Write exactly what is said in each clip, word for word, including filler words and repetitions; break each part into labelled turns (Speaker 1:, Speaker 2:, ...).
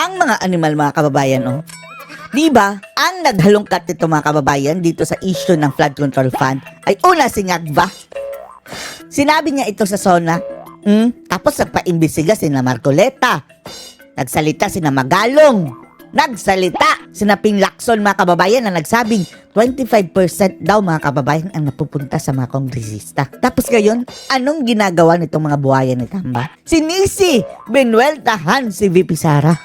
Speaker 1: Ang mga animal, mga kababayan, oh. Di ba, ang naghalongkat nito, mga kababayan, dito sa issue ng flood control fund ay una si Ngagba. Sinabi niya ito sa SONA, hmm? Tapos nagpa-imbestiga si na Marcoleta. Nagsalita si na Magalong. Nagsalita si na Ping Lacson, mga kababayan, na nagsabing twenty-five percent daw, mga kababayan, ang napupunta sa mga kongresista. Tapos ngayon, anong ginagawa nitong mga buhayan ni Tamba? Si Nisi, binueltahan si V P Sara.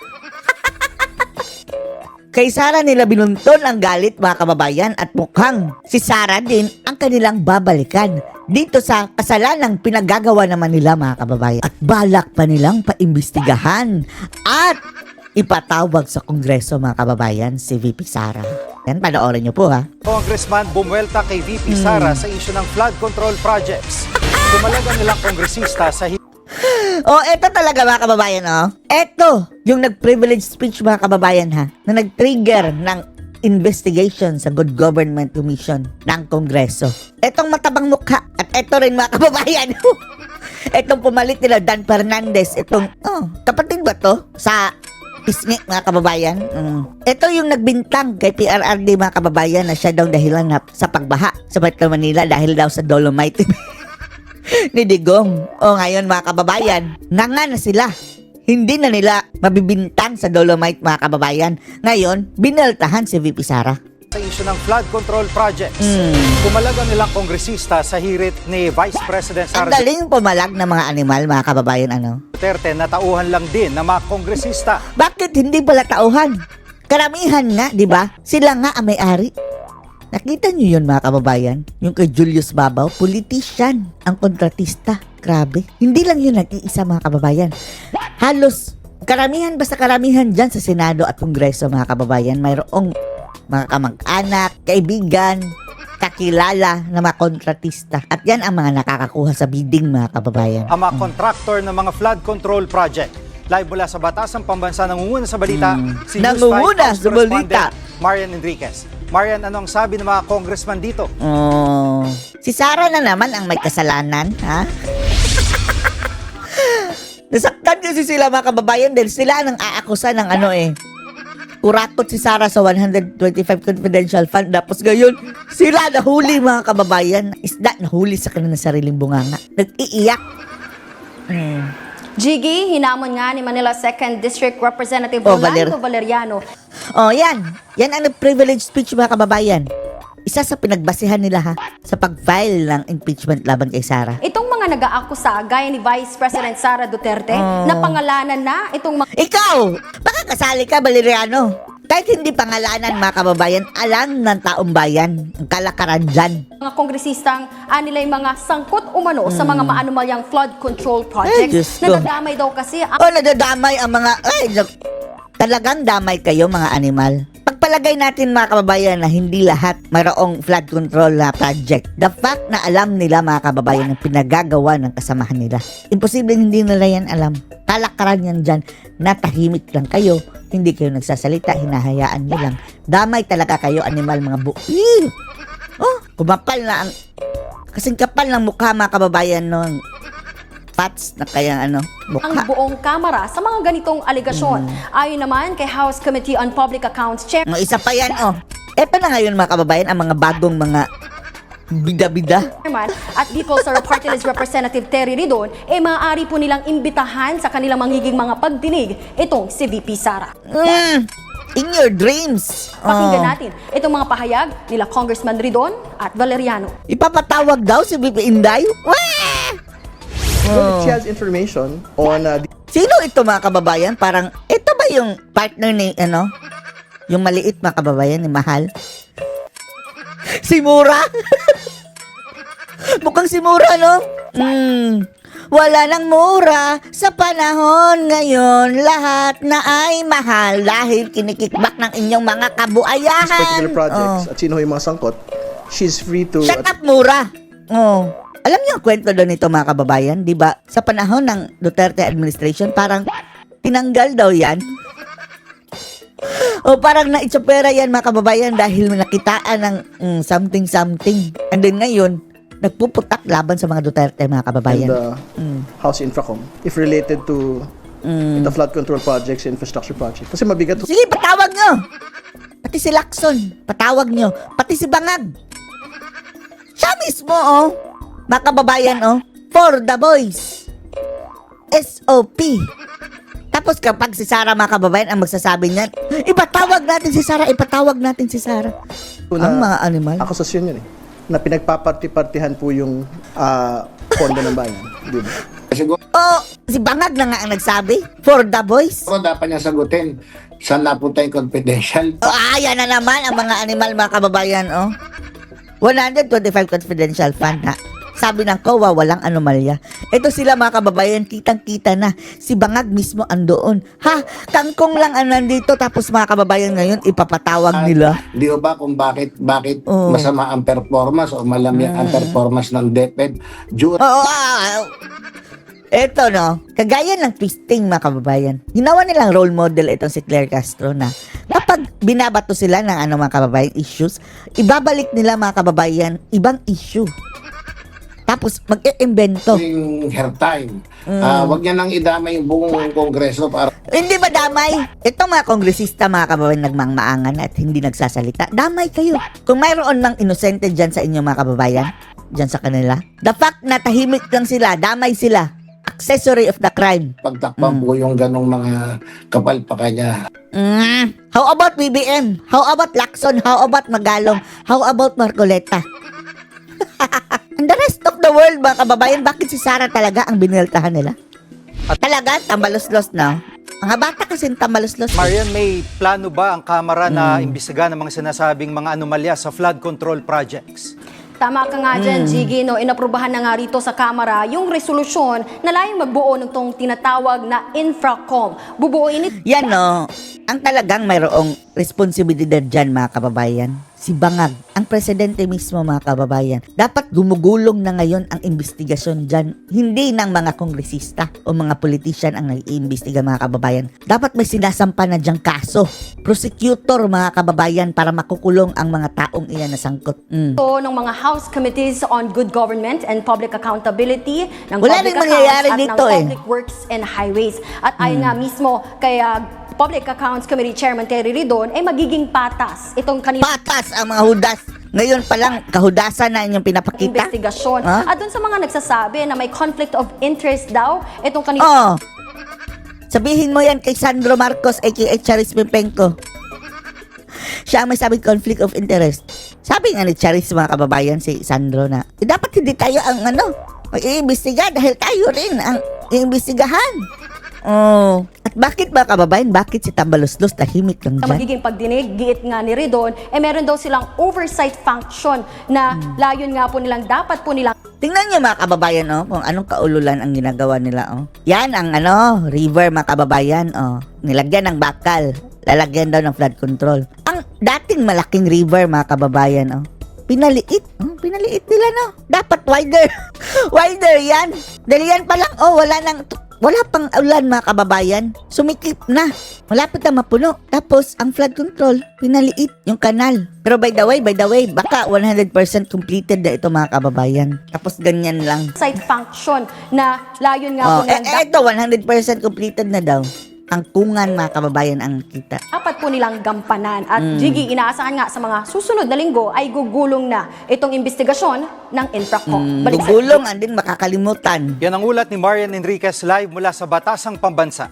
Speaker 1: Kay Sara nila binuntun ang galit, mga kababayan, at mukhang si Sara din ang kanilang babalikan dito sa kasalanang pinagagawa naman nila, mga kababayan. At balak pa nilang paimbestigahan at ipatawag sa Kongreso, mga kababayan, si V P Sara. Yan, panoorin niyo po, ha.
Speaker 2: Congressman bumuelta kay V P Sara
Speaker 1: Hmm.
Speaker 2: sa issue ng flood control projects. Dumalaga nilang kongresista sa
Speaker 1: Oh, eto talaga, mga kababayan, oh. Eto, yung nag-privilege speech, mga kababayan, ha, na nag-trigger ng investigation sa Good Government Commission ng Kongreso. Etong matabang mukha, at eto rin, mga kababayan, etong pumalit nila Dan Fernandez, etong, oh, kapatid ba to? Sa pisngi, mga kababayan. Mm. Ito yung nagbintang kay P R R D, mga kababayan, na siya daw dahilan na sa pagbaha sa Metro Manila dahil daw sa dolomite ni Digong. O ngayon, mga kababayan, nga na sila. Hindi na nila mabibintang sa dolomite, mga kababayan. Ngayon, bineltahan si V P Sara.
Speaker 2: sa issue ng flood control projects.
Speaker 1: Mm.
Speaker 2: Dumalaga nilang kongresista sa hirit ni Vice President
Speaker 1: Ang
Speaker 2: Sara
Speaker 1: galing pumalag ng mga animal, mga kababayan, ano?
Speaker 2: Duterte na tauhan lang din ng mga kongresista.
Speaker 1: Bakit hindi pala tauhan? Karamihan nga, di ba? Sila nga ang may-ari. Nakita niyo yun, mga kababayan? Yung kay Julius Babaw, politician, ang kontratista. Grabe. Hindi lang yun nag-iisa, mga kababayan. Halos, karamihan, basta karamihan dyan sa Senado at Kongreso, mga kababayan, mayroong mga kamag-anak, kaibigan, kakilala na mga kontratista. At yan ang mga nakakakuha sa bidding, mga kababayan.
Speaker 2: Ang mga kontraktor ng mga flood control project. Live mula sa Batasang Pambansa, nangunguna sa balita,
Speaker 1: Mm.
Speaker 2: si News
Speaker 1: Nangunguna
Speaker 2: five
Speaker 1: sa balita.
Speaker 2: correspondent Marian Enriquez. Marian, anong sabi ng mga congressman dito?
Speaker 1: Oh, si Sara na naman ang may kasalanan, ha? Nasaktan kasi sila, mga kababayan, dahil sila ang aakusa ng ano eh. Kurakot si Sara sa one hundred twenty-five confidential fund. Tapos ngayon, sila nahuli, mga kababayan. Isda nahuli sa kanilang sariling bunganga. Nag-iiyak. Hmm.
Speaker 3: Jiggy, hinamon nga ni Manila second District Representative
Speaker 1: Oh,
Speaker 3: Rolando
Speaker 1: Valer-
Speaker 3: Valeriano.
Speaker 1: Oh, yan. Yan ang privilege speech, mga kababayan. Isa sa pinagbasihan nila, ha, sa pag-file ng impeachment laban kay Sara.
Speaker 3: Itong mga nag-aakusa, gaya ni Vice President Sara Duterte,
Speaker 1: Oh.
Speaker 3: na pangalanan na itong mga
Speaker 1: Ikaw! Baka kasali ka, Valeriano. Kahit hindi pangalanan, mga kababayan, alam ng taong bayan ang kalakaran dyan.
Speaker 3: mga kongresistang anilay mga sangkot umano sa mga maanumalyang flood control
Speaker 1: Ay, Diyos
Speaker 3: projects.
Speaker 1: ko.
Speaker 3: Nadadamay daw kasi ang
Speaker 1: O, nadadamay ang mga... Ay, nag- talagang damay kayo, mga animal. Pagpalagay natin, mga kababayan, na hindi lahat mayroong flood control na project. The fact na alam nila, mga kababayan, ang pinagagawa ng kasamahan nila. Imposible hindi nila yan alam. Kalakaran yan dyan. Natahimik lang kayo. Hindi kayo nagsasalita. Hinahayaan nyo lang. Damay talaga kayo, animal, mga bu... Ew! Oh, kumapal na ang... Kasing kapal ng mukha, mga kababayan, nung pats na kaya ano,
Speaker 3: ang
Speaker 1: mukha.
Speaker 3: buong Kamara sa mga ganitong aligasyon. Ayon naman kay House Committee on Public Accounts Chair
Speaker 1: No, isa pa yan, oh. Eto na ngayon, mga kababayan, ang mga bagong mga bida-bida.
Speaker 3: Chairman at People's Party List Representative Terry Ridon, eh maaari po nilang imbitahan sa kanilang manghiging mga pagdinig itong si V P Sara.
Speaker 1: Mm, in your dreams.
Speaker 3: Pakinggan
Speaker 1: Oh.
Speaker 3: natin itong mga pahayag nila Congressman Ridon at Valeriano.
Speaker 1: Ipapatawag daw si V P Inday? Wah!
Speaker 4: Well, she has information on uh, the
Speaker 1: Sino ito, mga kababayan? Parang, ito ba yung partner ni, ano? Yung maliit, mga kababayan, ni Mahal? Si Mura? Mukhang si Mura, no? Hmm. Wala nang mura sa panahon ngayon. Lahat na ay mahal dahil kinikikbak ng inyong mga kabuayahan.
Speaker 4: particular projects
Speaker 1: Oh.
Speaker 4: at sino yung mga sangkot, she's free to...
Speaker 1: Shut up, Mura! Oh. Alam niyo ang kwento doon nito, mga kababayan? Di ba? Sa panahon ng Duterte administration, parang tinanggal daw yan. O parang naitsapera yan, mga kababayan, dahil nakitaan ng mm, something-something. And then ngayon, nagpuputak laban sa mga Duterte, mga
Speaker 4: and
Speaker 1: kababayan.
Speaker 4: uh,
Speaker 1: Mm.
Speaker 4: House Infracom, if related to Ito flood control projects, infrastructure projects. Kasi mabigat.
Speaker 1: Sige, patawag nyo. Pati si Lacson, patawag nyo. Pati si Bangag. Siya mismo, oh. Mga kababayan, oh. For the boys. S O P. Tapos kapag si Sara, mga kababayan, ang magsasabi niyan, ipatawag natin si Sara, ipatawag natin si Sara. Ang mga animal.
Speaker 4: Akusasyon yun eh. Na pinagpaparti-partihan po yung ah, pondo ng bayan. Di ba?
Speaker 5: Siguro
Speaker 1: Oh, si Bangag na nga ang nagsabi. For the boys.
Speaker 5: dapat niya sagutin saan napunta yung confidential.
Speaker 1: Oh, ayan na naman ang mga animal, mga kababayan, oh. one hundred twenty-five confidential fund, ha. Sabi ng C O A, walang anomalya. Ito sila, mga kababayan, kitang-kita na. Si Bangag mismo andoon. Ha? Kangkong lang ang nandito, tapos mga kababayan ngayon, ipapatawag nila.
Speaker 5: Di ba kung bakit bakit
Speaker 1: Oo.
Speaker 5: masama ang performance o malamya ang performance ng DepEd during
Speaker 1: Oo, ah, ah. Ito, no, kagaya ng twisting, mga kababayan. Ginawa nilang role model itong si Claire Castro na kapag binabato sila ng ano, mga kababayan, issues, ibabalik nila, mga kababayan, ibang issue. Tapos mag-iimbento.
Speaker 5: her time. Ah, wag niya nang idamay yung buong kongreso para
Speaker 1: Hindi ba damay? Itong mga kongresista, mga kababayan, nagmangmaangan at hindi nagsasalita. Damay kayo. Kung mayroon mang inosente dyan sa inyo, mga kababayan, dyan sa kanila, the fact na tahimik lang sila, damay sila, accessory of the crime.
Speaker 5: pagtakpan po yung ganong mga kapalpakan niya.
Speaker 1: Mm. How about B B M? How about Lacson? How about Magalong? How about Marcoleta? And the rest of the world, mga kababayan, bakit si Sara talaga ang biniltahan nila? At talaga, tambalos-los na. Mga bata kasi tambalos-los.
Speaker 2: Marian, may plano ba ang Kamara na imbestigahan ang mga sinasabing mga anomalya sa flood control projects?
Speaker 3: Tama ka nga dyan, Jiggy, no? Inaprubahan na nga rito sa Kamara yung resolusyon na layong magbuo ng tong tinatawag na Infracom. Bubuuin ito
Speaker 1: Yan, no. Ang talagang mayroong responsibilidad dyan, mga kababayan. Si Bangag, ang presidente mismo, mga kababayan. Dapat gumugulong na ngayon ang investigasyon dyan. Hindi ng mga kongresista o mga politician ang nag-iimbestiga, mga kababayan. Dapat may sinasampa na dyang kaso. Prosecutor, mga kababayan, para makukulong ang mga taong iyan na sangkot. Mm.
Speaker 3: ng mga House Committees on Good Government and Public Accountability ng
Speaker 1: Wala
Speaker 3: Public
Speaker 1: rin mangyayari
Speaker 3: Accounts at
Speaker 1: dito,
Speaker 3: ng
Speaker 1: eh.
Speaker 3: Public Works and Highways. At ayon nga mismo kay ah, Public Accounts Committee Chairman Terry Ridon, ay magiging patas itong kanina
Speaker 1: Patas ang mga hudas. Ngayon pa lang, kahudasan na inyong pinapakita.
Speaker 3: investigasyon.
Speaker 1: Ha?
Speaker 3: At dun sa mga nagsasabi na may conflict of interest daw, itong kanina
Speaker 1: Oh. Sabihin mo yan kay Sandro Marcos aka Charis Pimpenko. Siya ang may sabing conflict of interest. Sabi nga ni Charis, mga kababayan, si Sandro na, eh, dapat hindi tayo ang ano, mag-iimbestiga dahil tayo rin ang iimbestigahan. Oh. At bakit, mga kababayan, bakit si Tambalos-los tahimik lang
Speaker 3: na
Speaker 1: dyan?
Speaker 3: magiging pagdinig, giit nga ni Ridon, eh meron daw silang oversight function na layon nga po nilang dapat po nilang
Speaker 1: Tingnan niyo, mga kababayan, oh, kung anong kaululan ang ginagawa nila, oh. Yan ang ano, river, mga kababayan, oh. Nilagyan ng bakal. Lalagyan daw ng flood control. Ang dating malaking river, mga kababayan, oh. Pinaliit. Oh, pinaliit nila, no? Dapat wider. Wider yan. Dahil yan pa lang, oh, wala nang, wala pang ulan, mga kababayan. Sumikip na. Malapit na mapuno. Tapos, ang flood control, pinaliit yung kanal. Pero by the way, by the way, baka one hundred percent completed na ito, mga kababayan. Tapos, ganyan lang.
Speaker 3: oversight function na layon nga
Speaker 1: Oh,
Speaker 3: po
Speaker 1: eh,
Speaker 3: nilang
Speaker 1: eh, ito, one hundred percent completed na daw. Ang kungan, mga kababayan, ang kita.
Speaker 3: dapat po nilang gampanan. At Jiggy, inaasahan nga sa mga susunod na linggo ay gugulong na itong investigasyon ng Infracom. Balik sa
Speaker 1: Gugulong, and din makakalimutan.
Speaker 2: Yan ang ulat ni Marian Enriquez live mula sa Batasang Pambansa.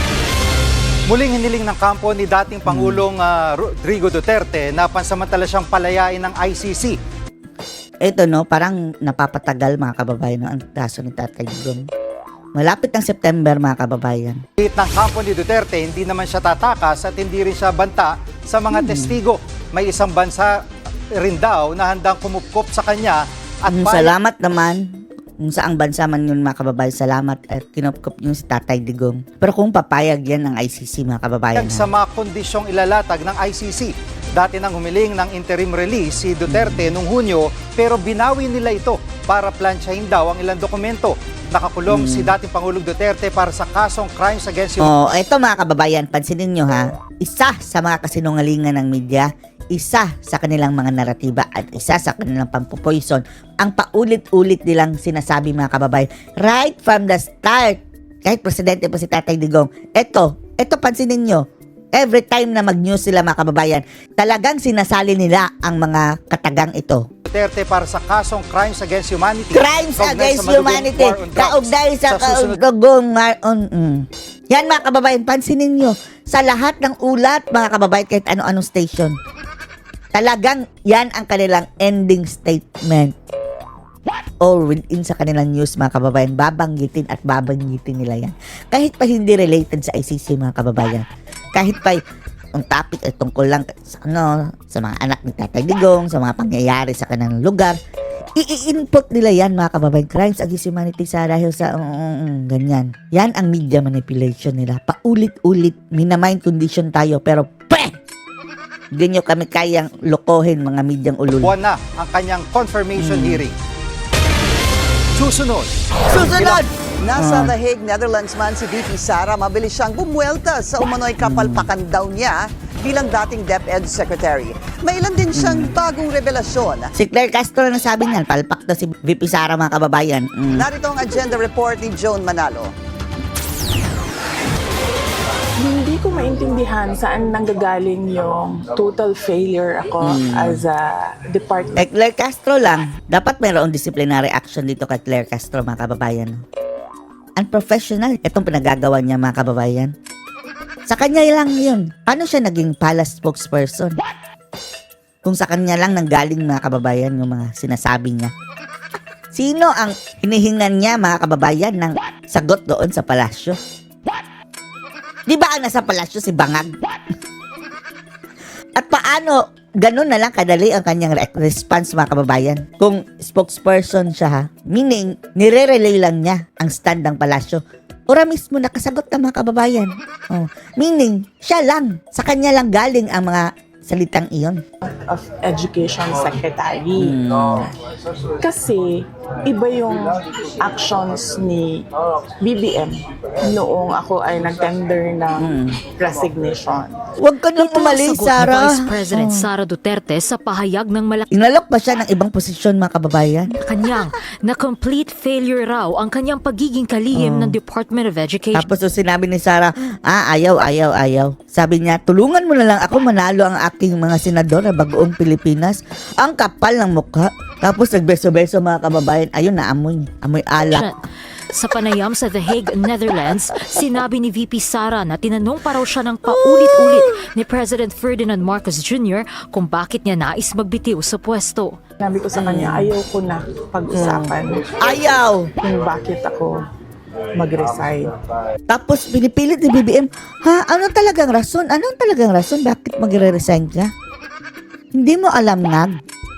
Speaker 2: Muling hiniling ng kampo ni dating Pangulong ah, Rodrigo Duterte na pansamantala siyang palayain ng I C C.
Speaker 1: Ito, no, parang napapatagal, mga kababayan, no, ang kaso ni Tatay Digong. Malapit ng September, mga kababayan.
Speaker 2: Kahit ng kampo ni Duterte, hindi naman siya tatakas at hindi rin siya banta sa mga testigo. May isang bansa rin daw na handang kumupkop sa kanya at
Speaker 1: Mm,
Speaker 2: payag
Speaker 1: salamat naman. Kung saang bansa man yun, mga kababayan, salamat at kinupkop yung si Tatay Digong. Pero kung papayag yan ng I C C, mga kababayan,
Speaker 2: sa
Speaker 1: ha?
Speaker 2: mga kondisyong ilalatag ng I C C. Dati nang humiling ng interim release si Duterte noong Hunyo pero binawi nila ito para plansyahin daw ang ilang dokumento. Nakakulong si dating Pangulong Duterte para sa kasong crimes against humanity.
Speaker 1: Oh, eto, mga kababayan, pansinin nyo, ha. Isa sa mga kasinungalingan ng media, isa sa kanilang mga naratiba at isa sa kanilang pampupoison ang paulit-ulit nilang sinasabi, mga kababayan, right from the start Kahit presidente pa si Tatay Digong. Eto, eto pansinin nyo. Every time na mag-news sila mga kababayan, talagang sinasali nila ang mga katagang ito.
Speaker 2: Duterte para sa kasong Crimes Against Humanity.
Speaker 1: Crimes
Speaker 2: Kaugnay
Speaker 1: against
Speaker 2: sa madugong
Speaker 1: humanity.
Speaker 2: war on drugs.
Speaker 1: Kaugnay sa
Speaker 2: susunod-
Speaker 1: kaugong mar- on, mm. Yan mga kababayan, pansinin nyo. Sa lahat ng ulat, mga kababayan, kahit ano-anong station, talagang yan ang kanilang ending statement. Or within sa kanilang news, mga kababayan, babanggitin at babanggitin nila yan. Kahit pa hindi related sa I C C, mga kababayan. Kahit pa ang topic ay tungkol lang sa, ano, sa mga anak ni Tatay Digong, sa mga pangyayari sa kanilang lugar, i-input nila yan, mga kababayan. Crimes against humanity sa dahil sa um, um, um, ganyan. Yan ang media manipulation nila. Paulit-ulit, minamind condition tayo, pero peh! Hindi nyo kami kayang lokohin, mga medyang ulul.
Speaker 2: Buwan na ang kanyang confirmation hearing. Susunod.
Speaker 1: Susunod!
Speaker 6: Nasa The Hague, Netherlands man si V P Sara, mabilis siyang bumuelta sa umano'y kapalpakan daw niya bilang dating DepEd Secretary. May ilan din siyang bagong revelasyon.
Speaker 1: Si Claire Castro na sabi niyan, palpak na si V P Sara, mga kababayan. Mm.
Speaker 6: Narito ang agenda report ni Joan Manalo.
Speaker 7: Hindi ko maintindihan saan nanggagaling yung total failure ako as a department.
Speaker 1: Kay Claire Castro lang, dapat mayroong disciplinary action dito kay Claire Castro, mga kababayan. Unprofessional itong pinagagawa niya, mga kababayan. Sa kanya lang yun. Paano siya naging palace spokesperson? Kung sa kanya lang nanggaling, mga kababayan, yung mga sinasabi niya. Sino ang hinihingan niya, mga kababayan, ng sagot doon sa palasyo? Di ba ang nasa palasyo si Bangag? At paano ganun na lang kadali ang kanyang re- response, mga kababayan? Kung spokesperson siya, ha? Meaning, nire-relay lang niya ang stand ng palasyo. Ora mismo nakasagot na, mga kababayan. Oh. Meaning, siya lang. Sa kanya lang galing ang mga salitang iyon.
Speaker 7: Of Education Secretary. Kasi iba yung actions ni B B M noong ako ay nag-tender ng resignation.
Speaker 1: Huwag ka nang umalis,
Speaker 8: Sagot
Speaker 1: Sara.
Speaker 8: ni Vice President Sara Duterte sa pahayag ng malaki
Speaker 1: Inalok ba siya ng ibang posisyon, mga kababayan?
Speaker 8: kanyang na complete failure raw ang kanyang pagiging kalihim ng Department of Education.
Speaker 1: Tapos so, sinabi ni Sara, ah, ayaw, ayaw, ayaw. Sabi niya, tulungan mo na lang ako manalo ang aking mga senador na bagoong Pilipinas. Ang kapal ng mukha. Tapos nagbeso-beso, mga kababayan. Ayun, naamoy. Amoy alak.
Speaker 8: Sa panayam sa The Hague, Netherlands, sinabi ni V P Sara na tinanong pa raw siya ng paulit-ulit ni President Ferdinand Marcos Junior kung bakit niya nais magbitiw sa pwesto.
Speaker 7: Sabi ko sa kanya, ayaw ko na pag-usapan
Speaker 1: Ayaw.
Speaker 7: kung bakit ako mag-resign.
Speaker 1: Tapos pinipilit ni B B M, ha, ano talagang rason? Anong talagang rason? Bakit magre-resign ka? Hindi mo alam, Nag.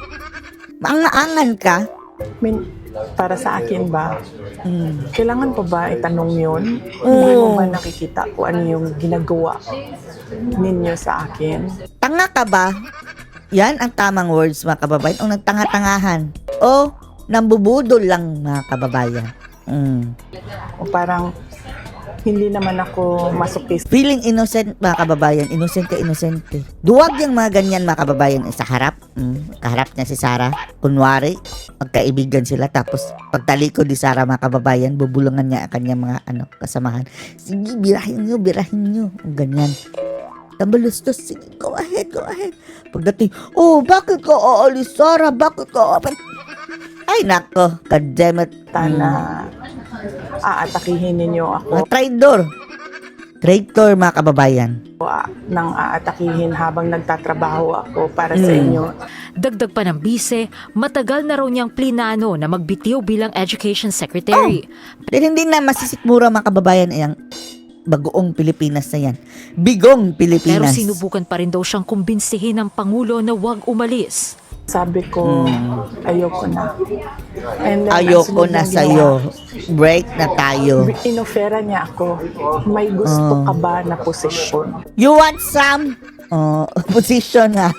Speaker 1: Maangaan ka.
Speaker 7: I mean, para sa akin ba,
Speaker 1: Mm.
Speaker 7: kailangan pa ba itanong yun?
Speaker 1: Oo.
Speaker 7: Hindi mo ba nakikita kung ano yung ginagawa ninyo sa akin?
Speaker 1: Tanga ka ba? Yan ang tamang words, mga kababayan. O nagtanga-tangahan. O nambubudol lang, mga kababayan. Mm.
Speaker 7: O parang hindi naman ako masokis.
Speaker 1: Feeling innocent, mga kababayan. Inosente, inosente. Duwag yung mga ganyan, mga kababayan, sa harap. Mm. Kaharap niya si Sara. Kunwari, magkaibigan sila. Tapos, pagtalikod ni Sara, mga kababayan, bubulungan niya ang kanyang mga ano, kasamahan. Sige, birahin nyo, birahin nyo. Ganyan. Tambalustos, sige, go ahead, go ahead. Pagdating, oh, bakit ka aalis, Sara? Bakit ka aalis? Ay, nako, goddammit.
Speaker 7: Na aatakihin ninyo ako
Speaker 1: Mga traidor. Traitor, mga kababayan.
Speaker 7: ah, nang aatakihin habang nagtatrabaho ako para sa
Speaker 1: Mm.
Speaker 7: inyo.
Speaker 8: Dagdag pa ng bise, matagal na raw niyang plinano na magbitiw bilang Education Secretary.
Speaker 1: Dahil hindi na masisikmura, mga kababayan, ay ang bagoong Pilipinas na yan. Bigong
Speaker 8: Pero
Speaker 1: Pilipinas.
Speaker 8: sinubukan pa rin daw siyang kumbinsihin ng Pangulo na huwag umalis.
Speaker 7: Sabi ko, ayoko na. And then, ang
Speaker 1: Ayoko
Speaker 7: sunod
Speaker 1: na
Speaker 7: na
Speaker 1: sa'yo. Break na tayo.
Speaker 7: ginawa, Inofera niya ako, may gusto
Speaker 1: Oh.
Speaker 7: ka ba na posisyon?
Speaker 1: You want some? Oh, position, ha?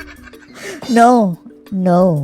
Speaker 1: No. No.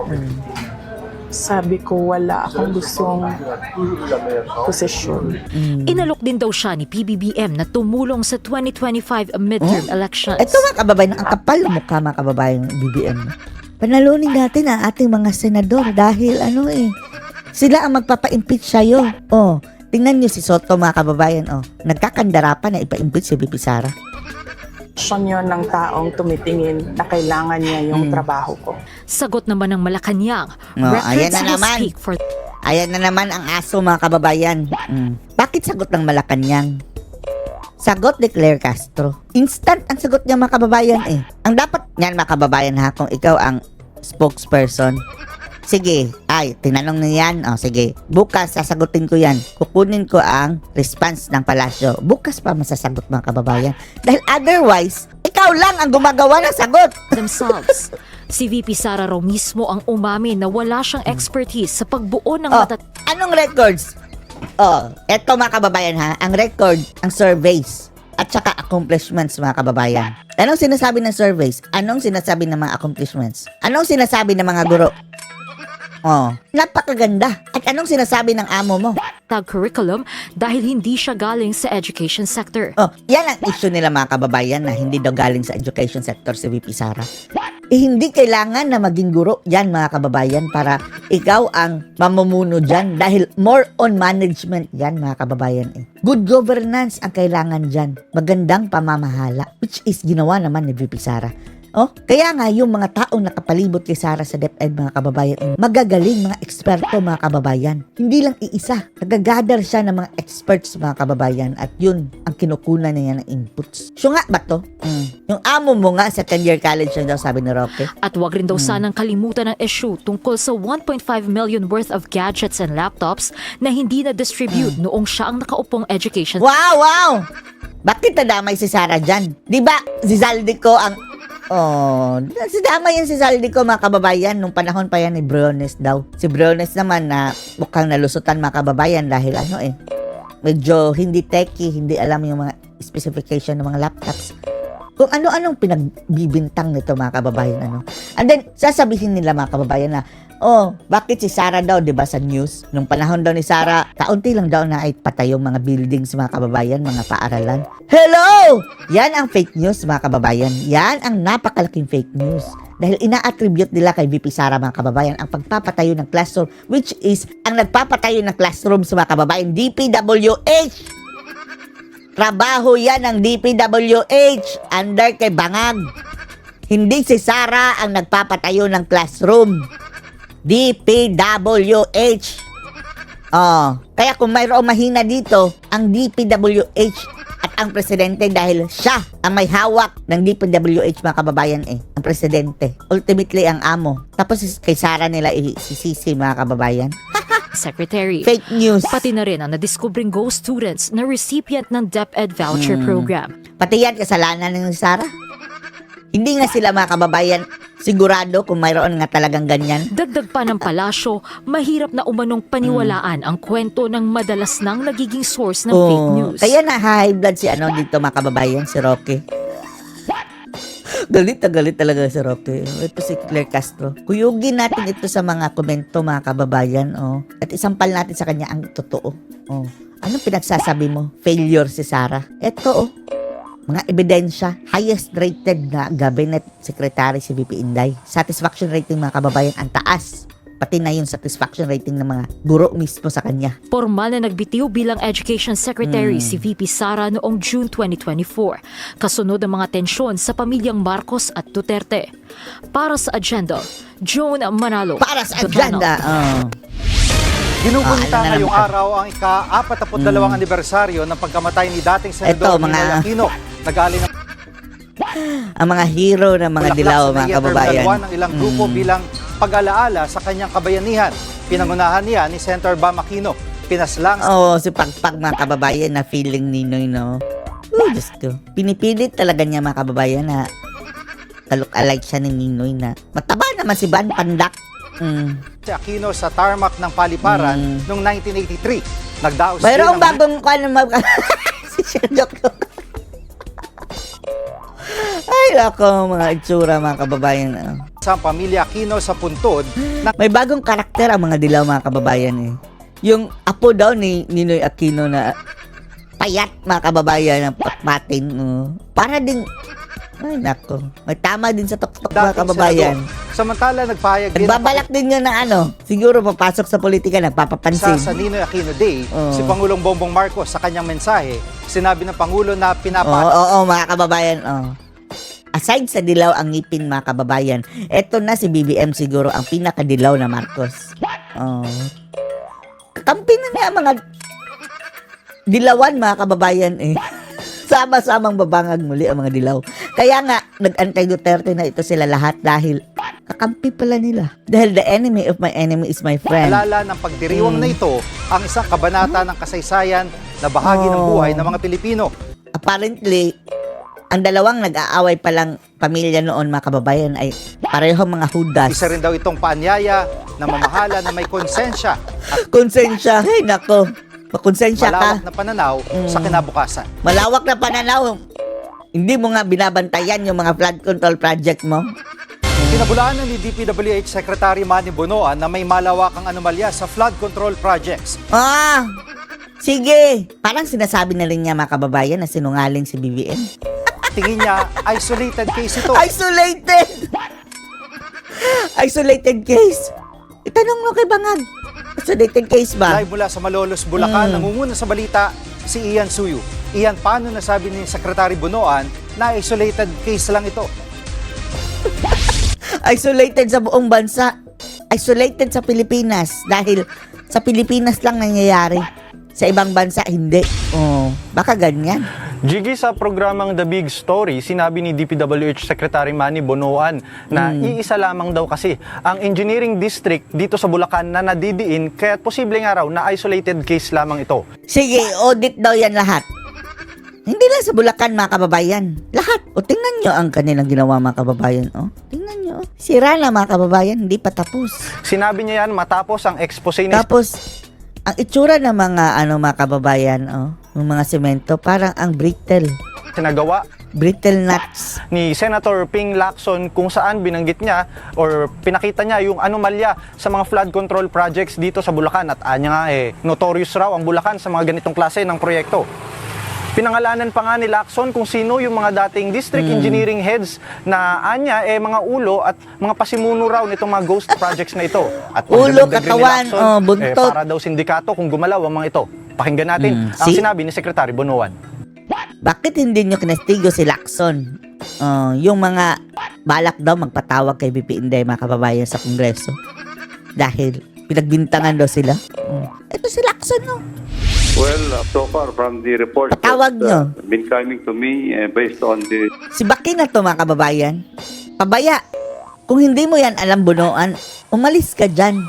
Speaker 7: Sabi ko, wala akong gustong posisyon.
Speaker 8: Inalok din daw siya ni P B B M na tumulong sa twenty twenty-five midterm elections.
Speaker 1: Ito, mga kababayan, ang kapal ng mukha, mga kababayan, ng B B M. Panalunin natin ang ating mga senador dahil ano eh, sila ang magpapa-impeach sa'yo. Oh, Tingnan nyo si Soto mga kababayan, oh. Nagkakandara pa na ipa-impeach si V P Sara.
Speaker 7: Aksyon yun ng taong tumitingin na kailangan niya yung trabaho ko.
Speaker 8: Sagot naman ng Malacanang,
Speaker 1: Oh, ayan
Speaker 8: records
Speaker 1: na
Speaker 8: will
Speaker 1: naman.
Speaker 8: speak for
Speaker 1: Ayan na naman ang aso mga kababayan. Mm. Bakit sagot ng Malacanang? Sagot ni Claire Castro. Instant ang sagot niya mga kababayan eh. Ang dapat niyan mga kababayan ha, kung ikaw ang spokesperson. Sige, ay, tinanong niya yan. O, sige, bukas sasagutin ko yan. Kukunin ko ang response ng palasyo. Bukas pa masasagot mga kababayan. Dahil otherwise, ikaw lang ang gumagawa ng sagot.
Speaker 8: themselves. Si V P Sara raw mismo ang umamin na wala siyang expertise sa pagbuo ng
Speaker 1: Oh,
Speaker 8: matat...
Speaker 1: anong records? Oh, eto mga kababayan ha, ang record, ang surveys, at saka accomplishments mga kababayan. Anong sinasabi ng surveys? Anong sinasabi ng mga accomplishments? Anong sinasabi ng mga guro? Oh, napakaganda. At anong sinasabi ng amo mo?
Speaker 8: tag curriculum dahil hindi siya galing sa education sector.
Speaker 1: Oh, yan ang issue nila mga kababayan na hindi daw galing sa education sector si V P Sara. Eh, hindi kailangan na maging guro yan mga kababayan para ikaw ang mamumuno dyan dahil more on management yan mga kababayan eh. Good governance ang kailangan dyan. Magandang pamamahala which is ginawa naman ni V P Sara. Oh, kaya nga yung mga taong nakapalibot kay Sara sa DepEd mga kababayan, eh, magagaling mga eksperto mga kababayan. Hindi lang iisa, nagagather siya ng mga experts mga kababayan at yun ang kinukunan niya ng inputs. So nga ba to? Mm. Yung amo mo nga sa ten-year college na daw sabi ni Roque.
Speaker 8: At wag rin daw sanang kalimutan ang issue tungkol sa one point five million worth of gadgets and laptops na hindi na-distribute noong siya ang nakaupong education.
Speaker 1: Wow, wow! Bakit nadamay si Sara dyan? Di ba si Zaldico ang... Oh, si dama yan si Zaldico mga kababayan nung panahon pa yan ni Briones daw. Si Briones naman na mukhang nalusutan mga kababayan dahil ano eh, medyo hindi techy, hindi alam yung mga specification ng mga laptops. Kung ano-anong pinagbibintang nito mga kababayan ano. And then sasabihin nila mga kababayan na, oh, bakit si Sara daw, 'di ba sa news? Nung panahon daw ni Sara, kaunti lang daw na ay patay yung mga buildings mga kababayan, mga paaralan. Hello! Yan ang fake news mga kababayan. Yan ang napakalaking fake news. Dahil ina-attribute nila kay V P Sara mga kababayan ang pagpapatayo ng classroom which is ang nagpapatayo ng classroom sa mga kababayan, D P W H. Trabaho yan ng D P W H under kay Bangag. Hindi si Sara ang nagpapatayo ng classroom. D P W H. Oh, kaya kung mayroong mahina dito, ang D P W H at ang presidente dahil siya ang may hawak ng D P W H mga kababayan eh, ang presidente. Ultimately ang amo. Tapos kay Sara nila isisisi mga kababayan.
Speaker 8: Secretary.
Speaker 1: Fake news.
Speaker 8: Pati na rin ang nadiskubring ghost students na recipient ng DepEd voucher program.
Speaker 1: Pati yan kasalanan ng Sara. Hindi nga sila mga kababayan sigurado kung mayroon nga talagang ganyan.
Speaker 8: Dagdag pa ng palasyo, mahirap na umanong paniwalaan ang kwento ng madalas nang nagiging source ng fake news.
Speaker 1: Kaya na high blood si ano dito mga kababayan, si Roque. Galit na galit talaga si Roque. Ito si Claire Castro. Kuyugin natin ito sa mga komento mga kababayan. Oh. At isampal natin sa kanya ang totoo. Oh. Anong pinagsasabi mo? Failure si Sara. Ito oh. Mga ebidensya, highest rated na cabinet secretary si V P Inday. Satisfaction rating mga kababayan ang taas. Pati na yung satisfaction rating ng mga guro mismo sa kanya.
Speaker 8: Formal na nagbitiw bilang Education Secretary si V P Sara noong June twenty twenty-four, kasunod ang mga tensyon sa pamilyang Marcos at Duterte. Para sa agenda, Joan Manalo.
Speaker 1: Para sa
Speaker 8: The
Speaker 1: agenda. Oh.
Speaker 2: Ginugunita
Speaker 1: Ah, ano na
Speaker 2: ngayong
Speaker 1: naman?
Speaker 2: araw ang ika-apat na dalawang anibersaryo ng pagkamatay ni dating Senador
Speaker 1: Eto, mga-
Speaker 2: Ninoy Aquino. Nagaling ng
Speaker 1: Ang mga hero ng mga
Speaker 2: bulaklak
Speaker 1: dilaw
Speaker 2: sa
Speaker 1: mga
Speaker 2: Naya
Speaker 1: kababayan.
Speaker 2: Terminal one ng ilang grupo bilang pag-alaala sa kanyang kabayanihan. Pinangunahan niya ni Senator Bam Aquino. Pinaslang
Speaker 1: Oo, si Pagpag mga kababayan na feeling Ninoy, no? Oh, Diyos ko. Pinipilit talaga niya mga kababayan na talok-alike siya ni Ninoy na mataba naman si Ban Pandak. Mm.
Speaker 2: si Aquino sa tarmac ng Paliparan
Speaker 1: Mm.
Speaker 2: noong nineteen eighty-three. Nagdaos
Speaker 1: Mayroong
Speaker 2: din ang-
Speaker 1: bagong kwan mag... si Sherlock. Ay, lako, mga itsura mga kababayan. ah.
Speaker 2: sa pamilya Aquino sa puntod na
Speaker 1: May bagong karakter ang mga dilaw mga kababayan eh. Yung apo daw ni Ninoy Aquino na payat mga kababayan ng patmatin. oh. Para din, ay nako, may tama din sa tuktok mga
Speaker 2: dating
Speaker 1: kababayan.
Speaker 2: senador. Sa Samantala, nagpahayag din ang
Speaker 1: Nagbabalak din yun na ano, siguro papasok sa politika,
Speaker 2: sa,
Speaker 1: nagpapapansin.
Speaker 2: sa Ninoy Aquino Day,
Speaker 1: Oo.
Speaker 2: si Pangulong Bongbong Marcos sa kanyang mensahe, sinabi ng Pangulo na
Speaker 1: Oo,
Speaker 2: pinapa
Speaker 1: oo, oo, mga kababayan, oh. Aside sa dilaw ang ngipin, mga kababayan, eto na si B B M siguro ang pinakadilaw na Marcos. Oh. Kakampi na niya ang mga dilawan, mga kababayan, eh. Sama-samang babangag muli ang mga dilaw. Kaya nga, nag-antay Duterte na ito sila lahat dahil kakampi pala nila. Dahil the enemy of my enemy is my friend.
Speaker 2: alala ng pagdiriwang na ito ang isang kabanata ng kasaysayan na bahagi ng
Speaker 1: Oh.
Speaker 2: buhay ng mga Pilipino.
Speaker 1: Apparently, ang dalawang nag-aaway palang pamilya noon, mga kababayan, ay parehong mga hudas.
Speaker 2: Isa rin daw itong paanyaya na mamahala na may konsensya at
Speaker 1: Konsensya. Hey, nako. Makonsensya ka.
Speaker 2: malawak na pananaw sa kinabukasan.
Speaker 1: Malawak na pananaw. Hindi mo nga binabantayan yung mga flood control project mo.
Speaker 2: Pinabulaanan ni D P W H Secretary Manny Bonoan na may malawakang anomalya sa flood control projects.
Speaker 1: Ah, sige. Parang sinasabi na rin niya, mga kababayan, na sinungaling si B B M.
Speaker 2: Tingin niya, isolated case ito.
Speaker 1: Isolated! Isolated case. Itanong mo kay Bangag. Isolated case ba?
Speaker 2: Live mula sa Malolos, Bulacan,
Speaker 1: Mm.
Speaker 2: nangunguna sa balita si Ian Suyu. Ian, paano nasabi ni Secretary Bonoan na isolated case lang ito?
Speaker 1: Isolated sa buong bansa. Isolated sa Pilipinas. Dahil sa Pilipinas lang nangyayari. Sa ibang bansa, hindi. Oh, baka ganyan.
Speaker 9: Jiggy, sa programang The Big Story, sinabi ni D P W H Secretary Manny Bonoan na iisa lamang daw kasi ang engineering district dito sa Bulacan na nadidiin, kaya posible nga raw na isolated case lamang ito.
Speaker 1: Sige, audit daw yan lahat. Hindi lang sa Bulacan, mga kababayan. Lahat. O, tingnan nyo ang kanilang ginawa, mga kababayan. O, tingnan nyo. Sira na, mga kababayan. Hindi pa tapos.
Speaker 9: Sinabi niya yan matapos ang expose ni
Speaker 1: Tapos, ang itsura ng mga, ano, mga kababayan, o, ng mga semento, parang ang brittle.
Speaker 9: sinagawa
Speaker 1: Brittle nuts.
Speaker 9: ni Senator Ping Lacson, kung saan binanggit niya or pinakita niya yung anomalya sa mga flood control projects dito sa Bulacan, at anya nga eh notorious raw ang Bulacan sa mga ganitong klase ng proyekto. Pinangalanan pa nga ni Lacson kung sino yung mga dating district engineering heads na anya eh mga ulo at mga pasimuno raw nitong mga ghost projects na ito. At
Speaker 1: Ulo,
Speaker 9: pagdagdag rin ni
Speaker 1: katawan,
Speaker 9: Lacson,
Speaker 1: oh, buntot.
Speaker 9: eh, para daw sindikato kung gumalaw ang mga ito. Pakinggan natin
Speaker 1: Mm,
Speaker 9: ang
Speaker 1: see?
Speaker 9: sinabi ni Secretary Bonoan.
Speaker 1: Bakit hindi nyo kinestigo si Lacson? Uh, yung mga balak daw magpatawag kay B P Inday, mga kababayan, sa Kongreso. Dahil pinagbintangan daw sila. Uh, ito si Lacson, no?
Speaker 10: Well, uh, so far from the report
Speaker 1: Patawag
Speaker 10: that uh, been coming to me uh, based on the
Speaker 1: Si Baki na to, mga kababayan. Pabaya. Kung hindi mo yan alam, Bonoan, umalis ka dyan.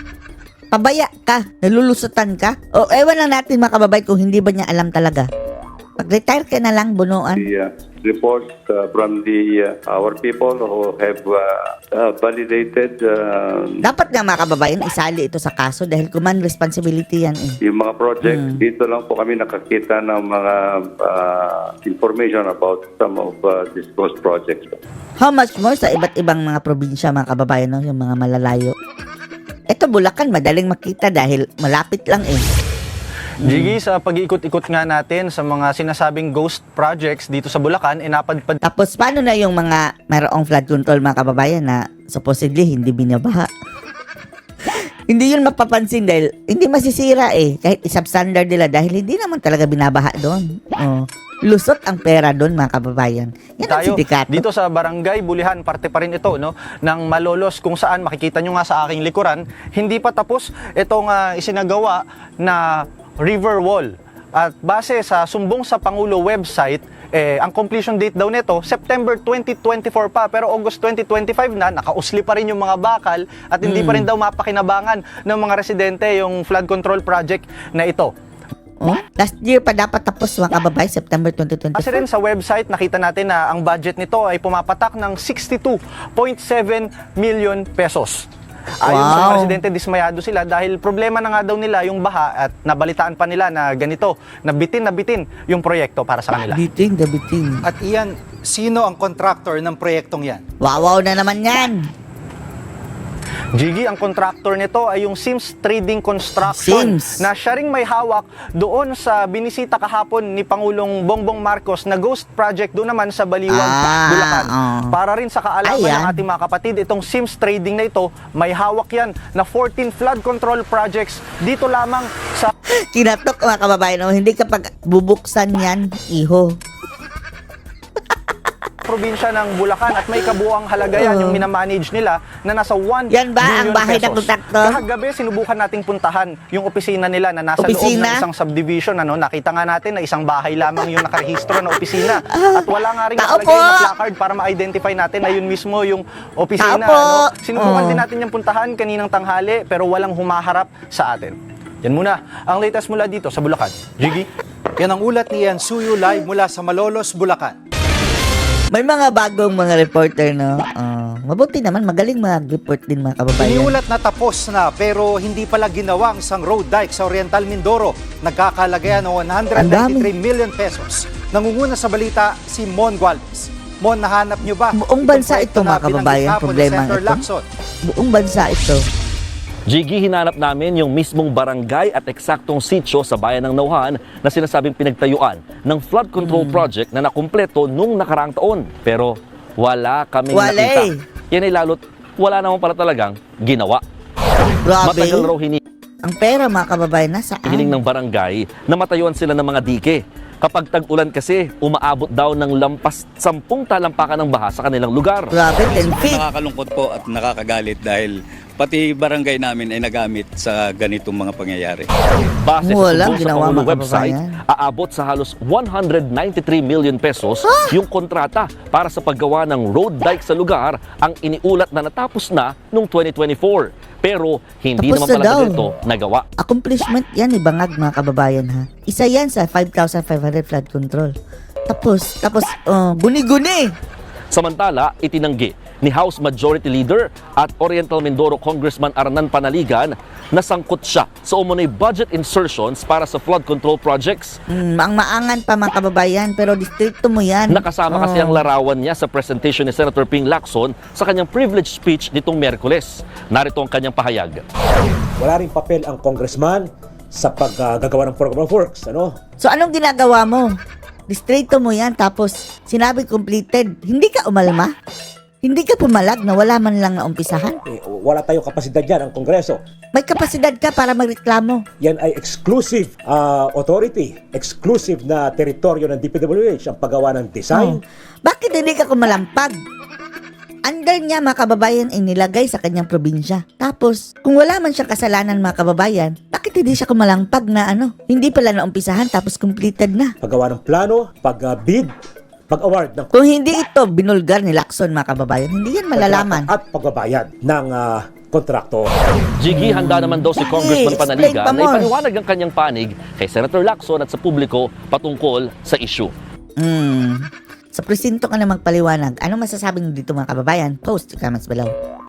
Speaker 1: Pabaya ka. Nalulusutan ka. O ewan lang natin, mga kababayan, kung hindi ba niya alam talaga. Pag-retire ka na lang, Bonoan.
Speaker 10: the uh, report uh, from the uh, our people who have uh, uh, validated uh,
Speaker 1: Dapat nga, mga kababayan, isali ito sa kaso dahil command responsibility yan eh.
Speaker 10: yung mga projects. Dito lang po kami nakakita ng mga uh, information about some of uh, these ghost projects.
Speaker 1: How much more sa iba't ibang mga probinsya, mga kababayan, no? Yung mga malalayo. Ito, Bulacan, madaling makita dahil malapit lang eh.
Speaker 9: Jiggy, sa pag-iikot-ikot nga natin sa mga sinasabing ghost projects dito sa Bulacan, inapadpad
Speaker 1: Tapos, paano na yung mga mayroong flood control, mga kababayan, na supposedly hindi binabaha? Hindi yun mapapansin dahil hindi masisira eh. Kahit isubstandard nila dahil hindi naman talaga binabaha doon. Oh. Lusot ang pera doon, mga kababayan. Yan ang
Speaker 9: tayo
Speaker 1: sindikato.
Speaker 9: dito sa Barangay Bulihan, parte pa rin ito no ng Malolos, kung saan makikita nyo nga sa aking likuran, hindi pa tapos itong uh, isinagawa na river wall. At base sa Sumbong sa Pangulo website, eh, ang completion date daw nito, September twenty twenty-four pa, pero August twenty twenty-five na, nakausli pa rin yung mga bakal at hindi pa rin daw mapakinabangan ng mga residente yung flood control project na ito.
Speaker 1: Oh? Last year pa dapat tapos, mga kababayan, September twenty twenty-four.
Speaker 9: Kasi rin sa website, nakita natin na ang budget nito ay pumapatak ng sixty-two point seven million pesos. Ayon sa mga
Speaker 1: Wow.
Speaker 9: residente, dismayado sila dahil problema na nga daw nila yung baha at nabalitaan pa nila na ganito, na bitin na bitin yung proyekto para sa kanila.
Speaker 1: Biting, the biting.
Speaker 2: At Ian, sino ang contractor ng proyektong yan?
Speaker 1: Wawaw na naman yan.
Speaker 9: Jiggy, ang contractor nito ay yung Sims Trading Construction
Speaker 1: Sims.
Speaker 9: na siya ring may hawak doon sa binisita kahapon ni Pangulong Bongbong Marcos na ghost project doon naman sa Baliwag,
Speaker 1: Ah,
Speaker 9: Bulacan.
Speaker 1: oh.
Speaker 9: Para rin sa kaalaman
Speaker 1: Ayan.
Speaker 9: ng ating mga kapatid, itong Sims Trading na ito, may hawak yan na fourteen flood control projects dito lamang sa
Speaker 1: Kinatok mga kababayan, oh, hindi kapag bubuksan yan, iho.
Speaker 9: probinsya ng Bulacan at may kabuang halaga yan yung minamanage nila na nasa one
Speaker 1: Yan ba ang
Speaker 9: billion
Speaker 1: bahay
Speaker 9: pesos.
Speaker 1: ng kontraktor?
Speaker 9: Kahagabi, sinubukan nating puntahan yung opisina nila na nasa loob
Speaker 1: Opisina?
Speaker 9: ng isang subdivision. Ano? Nakita nga natin na isang bahay lamang yung nakarehistro na opisina. At wala nga rin
Speaker 1: Tao
Speaker 9: nakalagay
Speaker 1: po!
Speaker 9: na placard para ma-identify natin na yun mismo yung opisina.
Speaker 1: Tao po!
Speaker 9: Ano? Sinubukan
Speaker 1: Oh.
Speaker 9: din natin yung puntahan kaninang tanghali pero walang humaharap sa atin. Yan muna ang latest mula dito sa Bulacan. Jiggy?
Speaker 2: Yan ang ulat ni Ian Suyo live mula sa Malolos, Bulacan.
Speaker 1: May mga bagong mga reporter, no? Ah, mabuti naman, magaling mag-report din mga kababayan.
Speaker 2: Iniulat na tapos na pero hindi pala ginawa ang isang road dike sa Oriental Mindoro. Nagkakalagayan ng one hundred ninety-three million pesos. Nangunguna sa balita si Mon Gualvez. Mon, nahanap nyo ba?
Speaker 1: Buong
Speaker 2: itong
Speaker 1: bansa
Speaker 2: proyekto
Speaker 1: ito,
Speaker 2: na
Speaker 1: mga kababayan,
Speaker 2: binanggit hapon ni
Speaker 1: problema
Speaker 2: Senator
Speaker 1: ito.
Speaker 2: Lacson?
Speaker 1: Buong bansa ito.
Speaker 11: Jiggy, hinanap namin yung mismong barangay at eksaktong sitio sa bayan ng Nauhan na sinasabing pinagtayuan ng flood control project na nakumpleto nung nakaraang taon. Pero wala kaming
Speaker 1: Wala
Speaker 11: nakita.
Speaker 1: eh.
Speaker 11: Yan ay lalo't wala naman pala talagang ginawa.
Speaker 1: Grabe.
Speaker 11: Matagal raw hini-
Speaker 1: Ang pera mga kababayan, nasaan?
Speaker 11: hiling ng barangay na matayuan sila ng mga dike. Kapag tag-ulan kasi, umaabot daw ng lampas sampung talampakan ng baha sa kanilang lugar.
Speaker 1: Grabe, ten feet.
Speaker 12: Nakakalungkot po at nakakagalit dahil pati barangay namin ay nagamit sa ganitong mga pangyayari.
Speaker 11: Base sa
Speaker 1: Walang
Speaker 11: sumbong sa
Speaker 1: ginawa,
Speaker 11: Pangulo
Speaker 1: mga
Speaker 11: website,
Speaker 1: kababayan.
Speaker 11: aabot sa halos one hundred ninety-three million pesos yung kontrata para sa paggawa ng road dike sa lugar ang iniulat na natapos na noong twenty twenty-four. Pero hindi
Speaker 1: Tapos
Speaker 11: naman
Speaker 1: na
Speaker 11: pala
Speaker 1: daw.
Speaker 11: ito nagawa.
Speaker 1: Accomplishment yan, ibangag mga kababayan, ha? Isa yan sa five thousand five hundred flood control. Tapos, tapos, uh, guni-guni.
Speaker 11: Samantala, itinanggi ni House Majority Leader at Oriental Mindoro Congressman Arnan Panaligan na sangkot siya sa umunoy budget insertions para sa flood control projects.
Speaker 1: Mm, ang maangan pa mga kababayan, pero distrito mo yan.
Speaker 11: Nakasama kasi
Speaker 1: Oh.
Speaker 11: ang larawan niya sa presentation ni Senator Ping Lacson sa kanyang privilege speech nitong Miyerkules. Narito ang kanyang pahayag.
Speaker 13: Wala ring papel ang congressman sa paggagawa ng program of works. Ano?
Speaker 1: So anong ginagawa mo? Distrito mo yan, tapos sinabi completed. Hindi ka umalma? Hindi ka pumalag na wala man lang naumpisahan?
Speaker 13: Eh, wala tayong kapasidad yan ang Kongreso.
Speaker 1: May kapasidad ka para magreklamo.
Speaker 13: Yan ay exclusive ah, authority, exclusive na teritoryo ng D P W H ang paggawa ng design.
Speaker 1: Oh. Bakit hindi ka kumalampag? Under niya mga kababayan ay nilagay sa kanyang probinsya. Tapos, kung wala man siyang kasalanan mga kababayan, bakit hindi siya kumalampag na ano? Hindi pala naumpisahan tapos completed na.
Speaker 13: Paggawa ng plano, pag-bid, pag-award ng
Speaker 1: Kung hindi ito binulgar ni Lacson mga kababayan, hindi yan malalaman.
Speaker 13: at pagbabayad ng ah, kontrakto.
Speaker 11: Jiggy, handa naman daw si
Speaker 1: Bakit?
Speaker 11: Congressman
Speaker 1: Explain
Speaker 11: Panaligan
Speaker 1: pa
Speaker 11: na
Speaker 1: more.
Speaker 11: ipaliwanag ang kanyang panig kay Senator Lacson at sa publiko patungkol sa issue.
Speaker 1: Hmm. Sa presinto ka na magpaliwanag. Anong masasabi niyo dito mga kababayan? Post your comments below.